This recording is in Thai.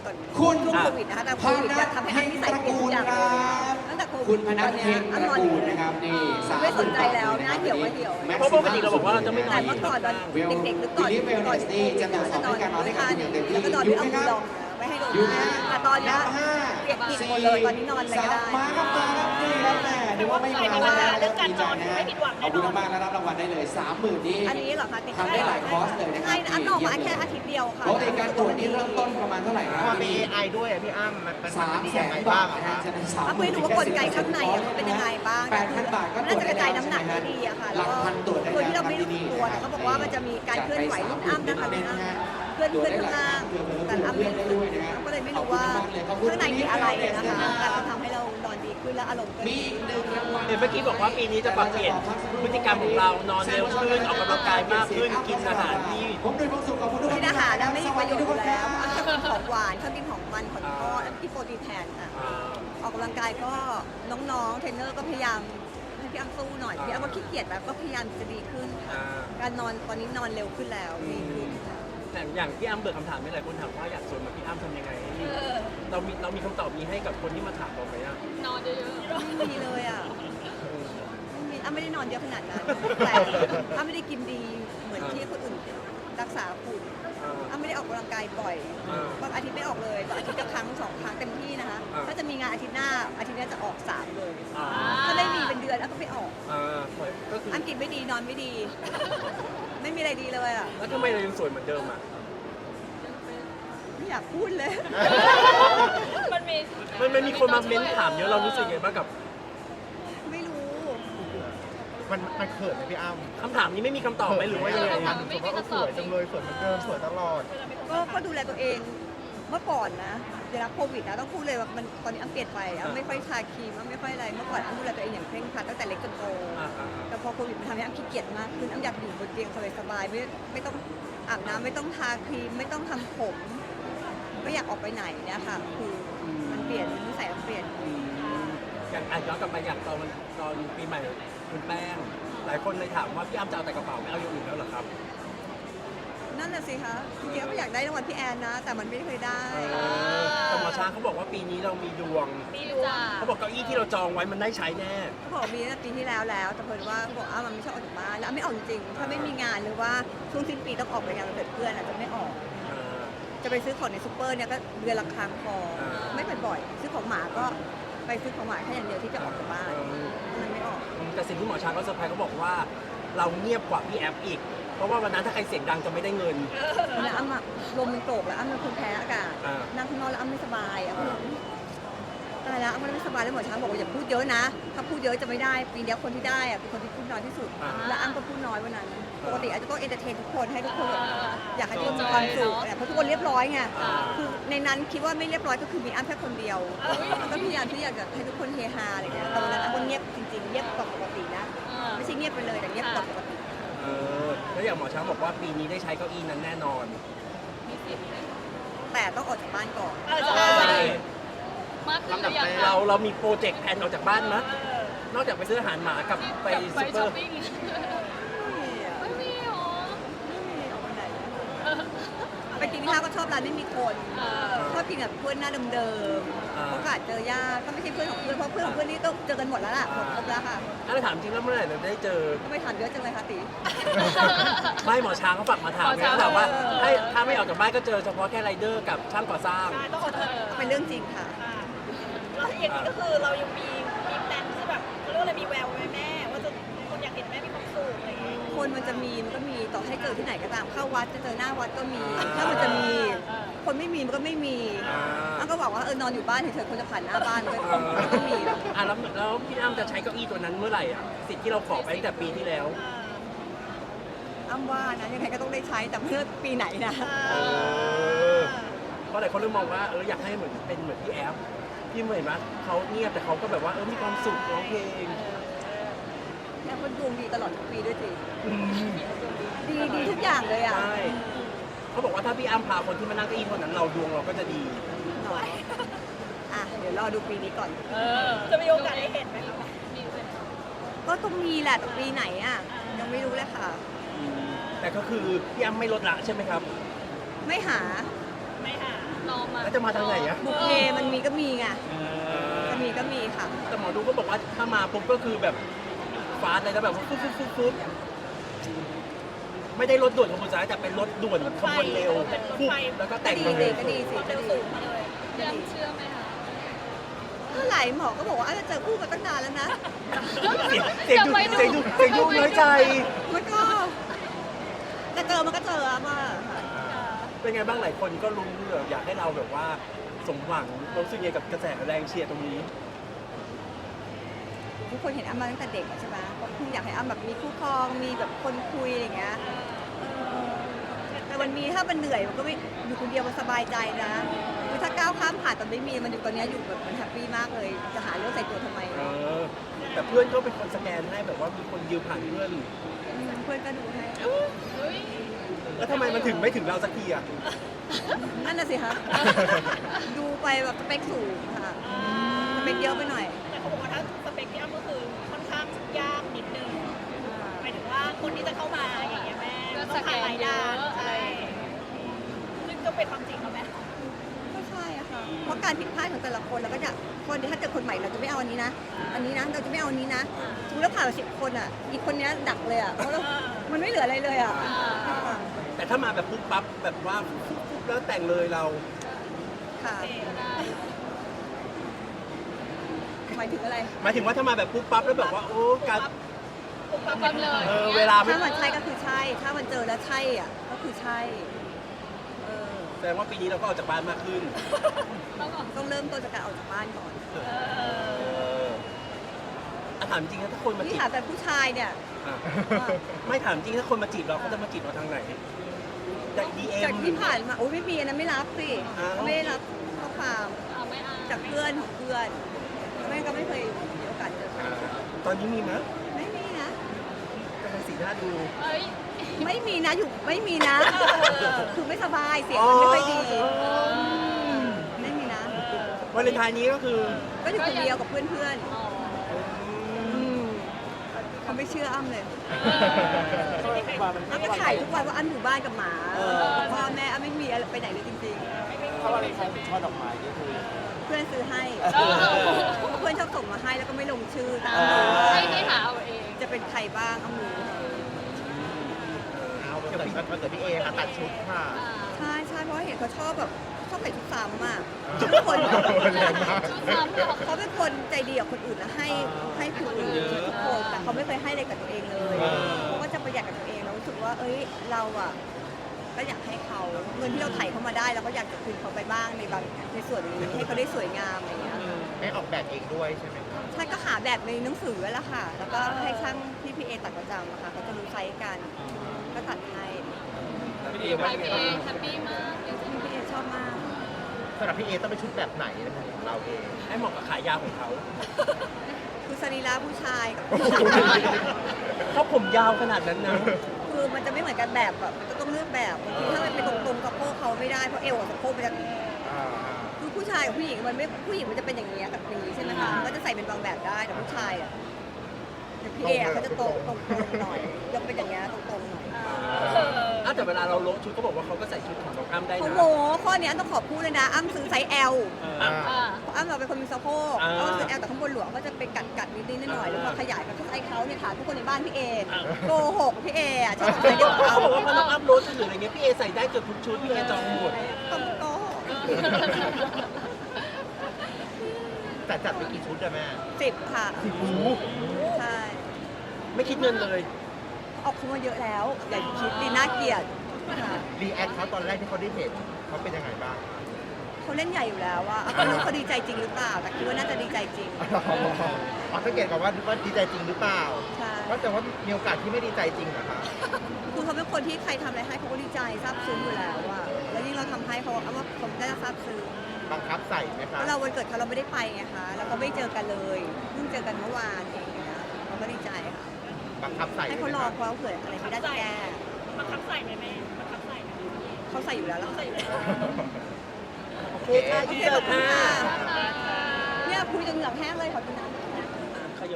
ก่อนคุณช่วงโควิดนะคะแต่โควิดจะทำให้อ้ำนิสัยเปลี่ยนทุกอย่างเลยตั้งแต่โควิดคุณพนัตทอนเทเนี้ยงตอ้ำระนอนอกูยู่ลนะครับนี่ไม่สนใจแล้วหน้าเหี่ยวก็เหี่ยวเพราะปกติเราบอกว่าเราจะไม่นอแต่นเมื่อก่อนตอนเด็กๆหรือก่อนวิลลี่เวลเนสนี่จะตรวจสอบให้การนอนได้กับคุณอย่างเต็มที่แล้วก็นอนด้วยเอามือรองไม่ให้โดนหน้าแต่ตอนเนี้ยเปียกผิดหมดเลยตอนนี้นอนอะไรก็ได้มาครับนี่ครับแม่นึกว่าไม่มาแล้วเรื่องการนอนไม่ผิดหวังแน่นอนขอบคุณมากๆแล้วรับรางวัลได้เลย 30,000นี่อันนี้เหรอคะทำได้หลายคอร์สเลยนะครัใช่อ้ำออกมาแค่อาทิตย์เดียวค่ะปกติการตรวจนี่เริ่มต้นประมาณเท่าไหร่ครับมันมี AI ด้วยอะพี่อ้ำมัน 300,000 ดียังไงบาบ้างทอะนะคฮะรับฉะนั้นอ้ำไม่รู้ว่ากลไกข้างในอะมันเป็นยังไงบ้าง 8,000 บาทก็น่าจะกระจายน้ำหนักได้ดีอะค่ะหลักพันตรวจได้โดยที่เราไม่รู้ตัวแต่เขาบอกว่ามันจะมีการเคลื่อนไหวรุ่นอ้ำนะคะเพื่อนข้างล่างแต่อ้ำไม่รู้ก็เลยไม่รู้ว่าข้างในมีอะไรนะคะแต่ก็ทำให้เรานอนดีขึ้นและอารมณ์ก็มีดีอีกหนึ่งรางวัลเห็นเมื่อกี้บอกว่าปีนี้จะปรับเปลี่ยนพฤติกรรมของเรานอนเร็วขึ้นออกกำลังกายมากขึ้นกินอาหารที่ผมโดยความสุขขอบคุณทุกคนกินอาหารนะไม่มีประโยชน์อยู่แล้วอ้ำชอบกินของหวานชอบกินของมันของทอดกินโปรตีนแทนอ่ะออกกำลังกายก็น้องๆเทรนเนอร์ก็พยายามให้พี่อ้ำสู้หน่อยพี่อ้ำก็ขี้เกียจแบบก็พยายามจะดีขึ้นค่ะการนอนตอนนี้นอนเร็วขึ้นแล้วดีขึ้นแต่อย่างที่อ้ำเบิกคำถามไม่หลายคนถามว่าอยากสวยเหมือนพี่อ้ำทำยังไงเรามีคำตอบนี้ให้กับคนที่มาถามเราไหมอ่ะนอนเยอะไม่มีเลยอ่ะอ้ำไม่ได้นอนเยอะขนาดนั้นแต่อ้ำไม่ได้กินดีเหมือนที่คนอื่นรักษาคุณอ้ำไม่ได้ออกกำลังกายบ่อยบางอาทิตย์ไม่ออกเลยแต่อาทิตย์ละครั้ง2 ครั้งเต็มที่นะคะถ้าจะมีงานอาทิตย์หน้าจะออก3เลยถ้าไม่มีเป็นเดือนอ้ำก็ไม่ออกก็คืออ้ำกินไม่ดีนอนไม่ดี ไม่มีอะไรดีเลยอ่ะแล้วทำไมเรายังสวยเหมือนเดิมอ่ะไม่อยากพูดเลยๆมันมีมันมีคนมาเม้นถามเยอะเรารู้สึกไงบ้างกับไม่รู้มันเขินไหมพี่อ้ำคำถามนี้ไม่มีคำตอบไหมหรือว่ายังไงมันรู้สึกว่าสวยจังเลยสวยเหมือนเดิมสวยตลอดก็ดูแลตัวเองเมื่อก่อนนะเดี๋ยวรับโควิดนะต้องพูดเลยว่ามันตอนนี้อ้ำเปลี่ยนไปอ้ำไม่ค่อยทาครีมอ้ำไม่ค่อยอะไรเมื่อก่อนอ้ำดูแลตัวเองอย่างเคร่งครัดตั้งแต่เล็กจนโตแต่พอโควิดมันทำให้อ้ำขี้เกียจมากขึ้นอ้ำอยากอยู่บนเตียงสบายๆไม่ต้องอาบน้ำไม่ต้องทาครีมไม่ต้องทำผมไม่อยากออกไปไหนเนี่ยค่ะคือมันเปลี่ยนนิสัยอ้ำเปลี่ยนอย่างย้อนกลับไปอย่างตอนปีใหม่คุณแป้งหลายคนเลยถามว่าพี่อ้ำจะเอาแต่กระเป๋าไม่เอาอย่างอื่นแล้วเหรอครับนั่นน่ะสิคะจริงๆก็อยากได้รางวัลพี่แอนนะ แต่มันไม่เคยได้แต่หมอช้างเขาบอกว่าปีนี้เรามีดวงมีจ้าเขาบอกเก้าอี้ที่เราจองไว้มันได้ใช้แน่เขาบอกมีตั้งแต่ปีที่แล้วแต่เพิ่นว่าเขาบอกมันไม่ชอบออกจากบ้านแล้วไม่ออกจริงๆถ้าไม่มีงานหรือว่าช่วงสิ้นปีต้องออกไปงานวันเกิดเพื่อนอาจจะไม่ออก จะไปซื้อของในซูเปอร์เนี่ยก็เดือนละครั้งพอไม่บ่อยๆซื้อของหมาก็ไปซื้อของหมาแค่อย่างเดียวที่จะออกจากบ้านมันไม่ออกแต่สิ่งที่หมอช้างเขาเซอร์ไพรส์เขาบอกว่าเราเงียบกว่าพี่แอฟอีก เพราะว่าวันนั้นถ้าใครเสียงดังจะไม่ได้เงินแล้วอ้ำอะลมมันโกรกแล้วอ้ำเป็นคนแพ้อากาศนั่งข้างนอกแล้วอ้ำไม่สบายอ้ำก็ตายแล้วอ้ำไม่สบายแล้วหมอช้างบอกว่าอย่าพูดเยอะนะถ้าพูดเยอะจะไม่ได้ปีนี้คนที่ได้อะเป็นคนที่พูดน้อยที่สุดแล้วอ้ำก็พูดน้อยวันนั้นปกติอาจจะต้องเอนเตอร์เทนทุกคนให้ทุกคนแบบอยากให้ทุกคนมีความสุขเพราะทุกคนเรียบร้อยไงคือในนั้นคิดว่าไม่เรียบร้อยก็คือมีอ้ำแค่คนเดียวก็พยายามที่อยากจะให้ทุกคนเฮฮาอะไรเงี้ยแต่วันนั้นอ้ำก็เงียบจริงๆเงียบกว่าปกตินะไม่ใช่เงียบไปเลยแต่เงียบกว่าปกติแล้วอย่างหมอช้างบอกว่าปีนี้ได้ใช้เก้าอี้นั้นแน่นอนแต่ต้องออกจากบ้านก่อนมากขึ้นหรือยังเรามีโปรเจกต์แผนออกจากบ้านมั้ยนอกจากไปซื้ออาหารหมากับไปไปซูเปอช้อปร์ปิ้ง ไม่มีหรอไปกินข้าวก็ชอบร้านไม่มีคนชอบกินแบบเพื่อนหน้าเดิมๆโอกาสเจอยากก็ไม่ใช่เพื่อนของเพื่อนเพราะเพื่อนของเพื่อนนี่ต้องเจอกันหมดแล้วล่ะหมดครบแล้วค่ะถ้าถามจริงแล้วเมื่อไหร่เราได้เจอก็ไม่ถามเยอะจังเลยค่ะตีไม่หมอช้างเขาฝากมาถามนะถามว่าถ้าไม่ออกจากบ้านก็เจอเฉพาะแค่ไรเดอร์กับช่างก่อสร้างเป็นเรื่องจริงค่ะเราอย่างนี้ก็คือเรายังมีแพลนที่แบบเขาเรียกว่าอะไรมีแววไหมแม่ว่าจะคนอยากเห็นแม่มีความสุขอะไรอย่างเงี้ยคนมันก็มีต่อให้เจอที่ไหนก็ตามเข้าวัดจะเจอหน้าวัดก็มีถ้ามันจะมีคนไม่มีมันก็ไม่มีอ้ำก็บอกว่านอนอยู่บ้านเฉยๆคนจะผ่านหน้าบ้านก็ไม่มีแล้วพี่อ้ำจะใช้เก้าอี้ตัวนั้นเมื่อไหร่อ่ะสิทธิ์ที่เราขอไปตั้งแต่ปีที่แล้วอ้ำว่านะยังไงก็ต้องได้ใช้แต่เมื่อปีไหนนะเพราะหลายคนเริ่มมองว่าอยากให้เหมือนเป็นเหมือนพี่แอฟที่เหมือนมั้ยเขาเงียบแต่เขาก็แบบว่ามีความสุขร้องเพลงแล้วคนดวงดีตลอดทุกปีด้วยสิดีทุกอย่างเลยอ่ะใช่เขาบอกว่าถ้าพี่อ้ำพาคนที่มานั่งเก้าอี้คนนั้นเราดวงเราก็จะดีเดี๋ยวรอดูปีนี้ก่อนจะมีโอกาสได้เห็นไหมคะก็ต้องมีแหละแต่ปีไหนอ่ะยังไม่รู้เลยค่ะแต่ก็คือพี่อ้ำไม่ลดละใช่ไหมครับไม่หาไม่หารอมาแล้วจะมาทางไหนอะบุพเพมันมีก็มีไงจะมีก็มีค่ะแต่หมอดูก็บอกว่าถ้ามาปุ๊บก็คือแบบฟาสต์เลยนะแบบว่าฟุ๊บไม่ได้รถด่วนขบวนซ้ายแต่เป็นรถด่วนขบวนเร็วปุ๊บแล้วก็ก็แต่งดีมาเลเลย ยก็ดีสิเร็วสูงมาเลยเชื่อไหมคะเมื่อไหร่หมอก็บอกว่าจะเจอคู่มาตั้งนานแล้วนะเสียงดูน้อยใจมันก็จะเจอมันก็เจออะมาค่ะเป็นไงบ้างหลายคนก็รู้แบบอยากให้เราแบบว่าสมหวังรู้สึกยังไงกับกระแสแรงเชียร์ตรงนี้ทุกคนเห็นอ้ำมาตั้งแต่เด็กอะใช่ไหมก็คงอยากให้อ้ำแบบมีคู่ครองมีแบบคนคุยอะไรอย่างเงี้ยแต่มันมีถ้ามันเหนื่อยมันก็ไม่อยู่คนเดียวมันสบายใจนะคือถ้าก้าวข้ามผ่านตอนไม่มีมันอยู่ตอนเนี้ยอยู่แบบมันแฮปปี้มากเลยจะหาเรื่องใส่ตัวทำไมแต่เพื่อนก็เป็นคนสแกนให้แบบว่ามีคนยืมผ่านเพื่อนเพื่อนก็ดูให้เฮ้ยแล้วทำไมมันถึงไม่ถึงเราสักทีอ่ะนั่นน่ะสิคะดูไปแบบสเปคสูงค่ะสเปคเยอะไปหน่อยแต่เขาบอกว่าถ้าสเปคพี่อ้ำก็คือค่อนข้างยากนิดนึงหมายถึงว่าคนที่จะเข้ามาอย่างเงี้ยแม่ต้องผ่านหลายด้านใช่ซึ่งก็เป็นความจริงค่ะแม่ก็ใช่อะค่ะ เพราะการผิดพลาดของแต่ละคนเราก็จะคนที่ถ้าเจอคนใหม่เราจะไม่เอาอันนี้นะ อันนี้นะ เราจะไม่เอาอันนี้นะสมมติเราผ่านไป10 คนอ่ะ อีกคนเนี้ยดักเลยอ่ะ เพราะเรา มันไม่เหลืออะไรเลยอ่ะแต่ถ้ามาแบบปุ๊บปั๊บแบบว่าปุ๊บแล้วแต่งเลยเราค่ะ หมายถึงอะไรหมายถึงว่าถ้ามาแบบปุ๊บปั๊บแล้วแบบว่าโอ้การปั๊บเลยเวลาไม่ถ้ามันใช่ก็คือใช่ ถ้ามันเจอแล้วใช่อ่ะ ก็คือใช่แสดงว่าปีนี้เราก็ออกจากบ้านมากขึ้นต้องเริ่มต้นจากการออกจากบ้านก่อนถามจริงนะถ้าคนมาจีที่บถามแต่ผู้ชายเนี่ยอ่ะไม่ถามจริงถ้าคนมาจีบเราเขาจะมาจีบเราทางไหนจากดีเอ็จากมที่ผ่านมา โอ้ยไม่มีอันนั้นไม่รับสิอ้าวไม่ได้รับข้อความเอาไม่เอาจากเพื่อนของเพื่อนไม่ก็ไม่เคยมีโอกาสเจอใครตอนนี้มีไหมไม่มีนะกำลังสีหน้าดูเอ้ยไม่มีนะอยู่ไม่มีนะ คือไม่สบายเสียงมันไม่ค่อยดีไม่มีนะวาเลนไทน์นี้ก็คือก็อยู่คนเดียวกับเพื่อนอ๋อๆเขาไม่เชื่ออ้ำเลยอ้ำก็ถ่ายทุกวันว่าอ้ำอยู่บ้านกับหมาพ่อแม่อ้ำไม่มีอะไรไปไหนเลยจริงถ้าวันเลนไทน์ถึงช่อดอกไม้นี่คือๆ เพื่อนซื้อให้เพื่อนชอบส่งมาให้แล้วก็ไม่ลงชื่อตามให้หาเอาเองจะเป็นใครบ้างอ้ำรู้เอาแต่มันเกิดพี่เอค่ะตัดชุดค่ะใช่ใช่เพราะเห็นเขาชอบแบบชอบใส่ชุดซ้ำอ่ะทุกคนแรงมากชุดซ้ำเหรอเขาเป็นคนใจดีกับคนอื่นนะให้คนอื่นทุกคนแต่เขาไม่เคยให้อะไรกับตัวเองเลยเขาก็จะประหยัดกับตัวเองแล้วรู้สึกว่า เอ้ยเราอ่ะก็อยากให้เขาเงินที่เราไถ่เขามาได้เราก็อยากจะคืนเขาไปบ้างในบางในส่วนนี้ให้เขาได้สวยงามอะไรอย่างเงี้ยให้ออกแบบเองด้วยใช่ไหมครับใช่ก็หาแบบในหนังสือแล้วล่ะค่ะ แล้วก็ให้ช่างที่พี่เอตัดประจำอะค่ะเขาจะรู้ไซส์กันก็ตัดให้พี่เอว่าไปยังไงเอบ้างงแฮปปี้มากจริงพี่เอชอบมากสำหรับพี่เอต้องเป็นชุดแบบไหนนะครับของเราเองให้เหมาะกับขายาวของเขาคือสรีระผู้ชายกับเขาผมยาวขนาดนั้นนะคือมันจะไม่เหมือนกันแบบมันก็ต้องเลือกแบบบางทีถ้ามันเป็นตรงๆสะโพกเขาไม่ได้เพราะเอวกับสะโพกมันจะคือผู้ชายกับผู้หญิงมันไม่ผู้หญิงมันจะเป็นอย่างนี้กับอย่างนี้ใช่ไหมคะก็จะใส่เป็นบางแบบได้แต่ผู้ชายอ่ะอย่างพี่เออะเขาจะตรงๆหน่อยยังเป็นอย่างเงี้ยตรงๆหน่อยแต่เวลาเราโละชุดก็บอกว่าเขาก็ใส่ชุดของน้องอ้ำได้เขานะโมข้อเนี้ยต้องขอบพูดเลยนะอ้ำซื้อไซส์ L เพราะอ้ำเราเป็นคนมีสะโพกอ้ำซื้อ L แต่ข้างบนหลวงก็จะเป็นกัดนิดๆหน่อยๆแล้วพอขยายกับไซส์เขาเนี่ยค่ะทุกคนในบ้านพี่เอโกหกพี่เออะชอบใส่เดียวกับเขาเขาบอกว่าพอน้องอ้ำโรสหรืออะไรเงี้ยพี่เอใส่ได้เกือบทุกชุดพี่เอจองหมดต้องโกหกแต่จัดไปกี่ชุดอะแม่ 10 ค่ะโอ้โหใช่ไม่คิดเงินเลยออกเขามาเยอะแล้ว อย่าคิดดีน่าเกลียดค่ะรีแอคเขาตอนแรกที่เขาได้เห็นเขาเป็นยังไงบ้างเขาเล่นใหญ่อยู่แล้วอะไม่รู้เขาดีใจจริงหรือเปล่า แต่คิดว่าน่าจะดีใจจริงอ๋อสังเกตก่อนว่าดีใจจริงหรือเปล่าใช่เพราะแต่ว่ามีโอกาสที่ไม่ดีใจจริงเหรอคะคือเขาเป็นคนที่ใครทำอะไรให้เขาก็ดีใจซาบซึ้งอยู่แล้วอะแล้วยิ่งเราทำให้เขาเอาว่าผมได้ซาบซึ้งบังคับใส่ไหมคะแล้วเราวันเกิดเขาเราไม่ได้ไปไงคะแล้วก็ไม่เจอกันเลยเพิ่งเจอกันเมื่อวานเองนะคะเราก็ดีใจค่ะบังคับใส่ให้เขารอเพราะเผื่ออะไรไม่ได้จะแก้มันทับใส่ไหมแม่มันทับใส่ไหมเขาใส่อยู่แล้วแล้วใส่ค่ะอยู่แล้วโอเคค่ะโออินเคเสิขอร์บตคุณค่ะค่ะเนี่ยคุยจนเหงือกแห้งเลยขอบคุณนะ